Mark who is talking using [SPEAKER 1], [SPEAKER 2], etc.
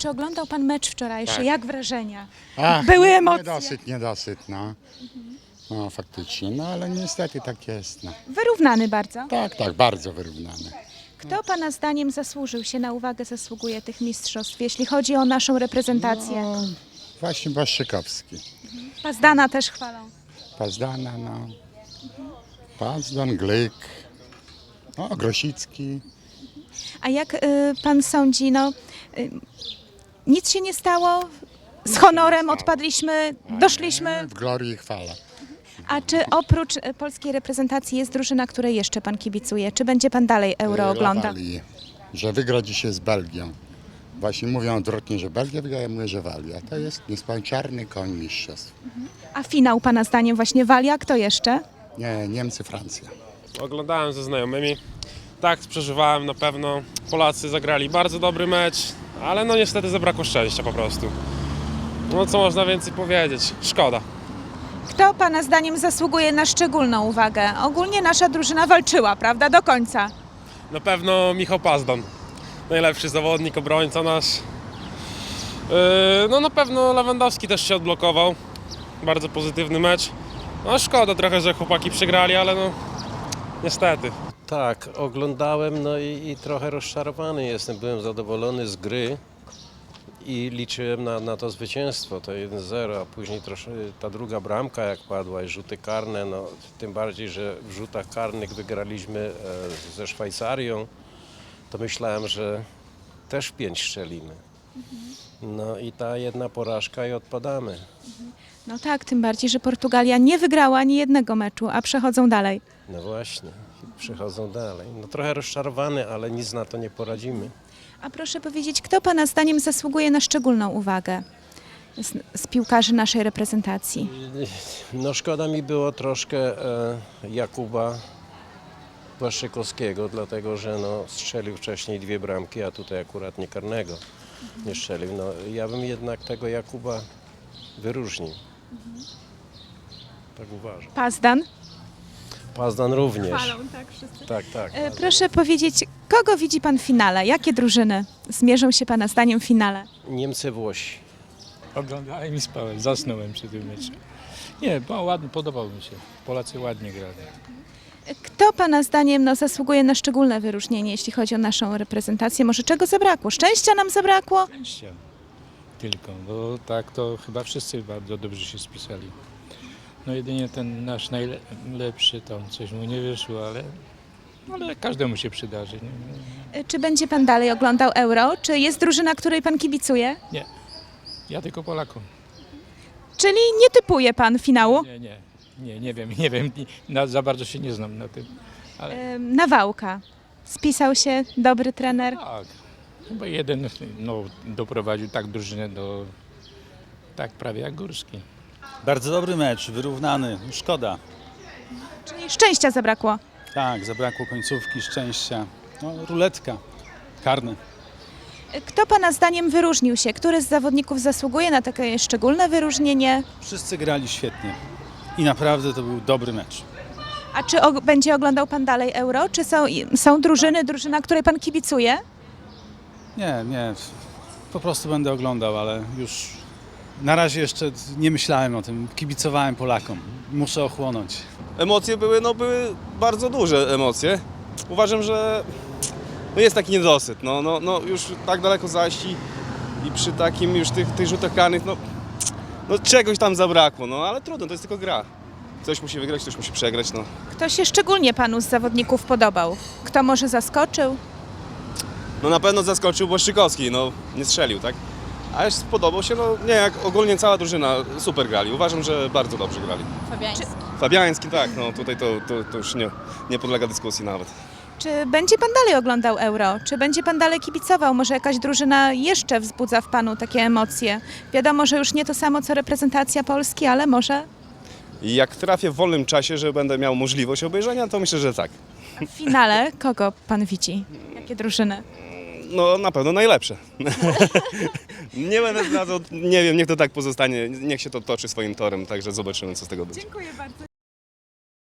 [SPEAKER 1] Czy oglądał pan mecz wczorajszy?
[SPEAKER 2] Tak.
[SPEAKER 1] Jak wrażenia?
[SPEAKER 2] Ach,
[SPEAKER 1] Były emocje.
[SPEAKER 2] Niedosyt, no. No faktycznie, no ale niestety tak jest, no.
[SPEAKER 1] Wyrównany bardzo.
[SPEAKER 2] Tak, bardzo wyrównane.
[SPEAKER 1] Kto pana zdaniem zasługuje tych mistrzostw, jeśli chodzi o naszą reprezentację?
[SPEAKER 2] No, właśnie Błaszczykowski.
[SPEAKER 1] Pazdana też chwalą.
[SPEAKER 2] Pazdana, no. Pazdan, Glyk, no, Grosicki.
[SPEAKER 1] A jak pan sądzi, nic się nie stało, z honorem odpadliśmy, doszliśmy.
[SPEAKER 2] W glorii i chwale.
[SPEAKER 1] A czy oprócz polskiej reprezentacji jest drużyna, której jeszcze pan kibicuje? Czy będzie pan dalej Euro oglądał?
[SPEAKER 2] Walii, że wygra dzisiaj z Belgią. Właśnie mówią odwrotnie, że Belgia wygra, ja mówię, że Walia. To jest nieskończalny koń mistrzostw.
[SPEAKER 1] A finał pana zdaniem właśnie Walia? Kto jeszcze?
[SPEAKER 2] Nie, Niemcy, Francja.
[SPEAKER 3] Oglądałem ze znajomymi. Tak, przeżywałem na pewno. Polacy zagrali bardzo dobry mecz, ale no niestety zabrakło szczęścia po prostu. No co można więcej powiedzieć? Szkoda.
[SPEAKER 1] Kto pana zdaniem zasługuje na szczególną uwagę? Ogólnie nasza drużyna walczyła, prawda, do końca.
[SPEAKER 3] Na pewno Michał Pazdan. Najlepszy zawodnik, obrońca nasz. No na pewno Lewandowski też się odblokował. Bardzo pozytywny mecz. No szkoda trochę, że chłopaki przegrali, ale no niestety.
[SPEAKER 4] Tak, oglądałem, no i trochę rozczarowany jestem. Byłem zadowolony z gry i liczyłem na to zwycięstwo, to 1-0, a później troszkę ta druga bramka jak padła i rzuty karne, no tym bardziej, że w rzutach karnych wygraliśmy ze Szwajcarią, to myślałem, że też 5 strzelimy. No i ta jedna porażka i odpadamy.
[SPEAKER 1] No tak, tym bardziej, że Portugalia nie wygrała ani jednego meczu, a przechodzą dalej.
[SPEAKER 4] No właśnie, przechodzą dalej. No trochę rozczarowany, ale nic na to nie poradzimy.
[SPEAKER 1] A proszę powiedzieć, kto pana zdaniem zasługuje na szczególną uwagę z piłkarzy naszej reprezentacji?
[SPEAKER 4] No szkoda mi było troszkę Jakuba Błaszczykowskiego, dlatego że no, strzelił wcześniej 2 bramki, a tutaj akurat nie karnego nie strzelił. No, ja bym jednak tego Jakuba wyróżnił. Tak uważam.
[SPEAKER 1] Pazdan?
[SPEAKER 4] Pazdan również.
[SPEAKER 1] tak wszyscy.
[SPEAKER 4] Tak.
[SPEAKER 1] Proszę powiedzieć, kogo widzi pan w finale? Jakie drużyny zmierzą się pana zdaniem w finale?
[SPEAKER 4] Niemcy, Włosi.
[SPEAKER 5] Oglądałem i spałem, zasnąłem przy tym meczu. Nie, ładnie, podobał mi się. Polacy ładnie grali.
[SPEAKER 1] Kto pana zdaniem zasługuje na szczególne wyróżnienie, jeśli chodzi o naszą reprezentację? Może czego zabrakło? Szczęścia nam zabrakło?
[SPEAKER 5] Szczęścia tylko, bo tak to chyba wszyscy bardzo dobrze się spisali. No jedynie ten nasz najlepszy, tam coś mu nie wyszło, ale każdemu się przydarzy. Nie?
[SPEAKER 1] Czy będzie pan dalej oglądał Euro? Czy jest drużyna, której pan kibicuje?
[SPEAKER 5] Nie, ja tylko Polakom.
[SPEAKER 1] Czyli nie typuje pan finału?
[SPEAKER 5] Nie wiem, za bardzo się nie znam na tym. Ale
[SPEAKER 1] Nawałka. Spisał się dobry trener.
[SPEAKER 5] tak, chyba jeden doprowadził tak drużynę do, tak prawie jak Górski.
[SPEAKER 6] Bardzo dobry mecz, wyrównany, szkoda.
[SPEAKER 1] Czyli szczęścia zabrakło.
[SPEAKER 6] Tak, zabrakło końcówki, szczęścia. No, ruletka, karny.
[SPEAKER 1] Kto pana zdaniem wyróżnił się? Który z zawodników zasługuje na takie szczególne wyróżnienie?
[SPEAKER 6] Wszyscy grali świetnie i naprawdę to był dobry mecz.
[SPEAKER 1] A czy będzie oglądał pan dalej Euro? Czy są drużyna, której pan kibicuje?
[SPEAKER 6] Nie, po prostu będę oglądał, ale już na razie jeszcze nie myślałem o tym, kibicowałem Polakom. Muszę ochłonąć.
[SPEAKER 7] Emocje były bardzo duże emocje. Uważam, że jest taki niedosyt. Już tak daleko zajść i przy takim już tych rzutach karnych, czegoś tam zabrakło, ale trudno, to jest tylko gra. Ktoś musi wygrać, ktoś musi przegrać.
[SPEAKER 1] Kto się szczególnie panu z zawodników podobał? Kto może zaskoczył?
[SPEAKER 7] Na pewno zaskoczył Błaszczykowski, nie strzelił, tak? Ale spodobał się, jak ogólnie cała drużyna super grali. Uważam, że bardzo dobrze grali. Fabiański, tak, tutaj to już nie podlega dyskusji nawet.
[SPEAKER 1] Czy będzie pan dalej oglądał Euro? Czy będzie pan dalej kibicował? Może jakaś drużyna jeszcze wzbudza w panu takie emocje? Wiadomo, że już nie to samo co reprezentacja Polski, ale może
[SPEAKER 7] I jak trafię w wolnym czasie, że będę miał możliwość obejrzenia, to myślę, że tak.
[SPEAKER 1] w finale kogo pan widzi? Jakie drużyny?
[SPEAKER 7] Na pewno najlepsze. Nie będę zdradzał, nie wiem, niech to tak pozostanie, niech się to toczy swoim torem, także zobaczymy, co z tego będzie.
[SPEAKER 1] Dziękuję bardzo.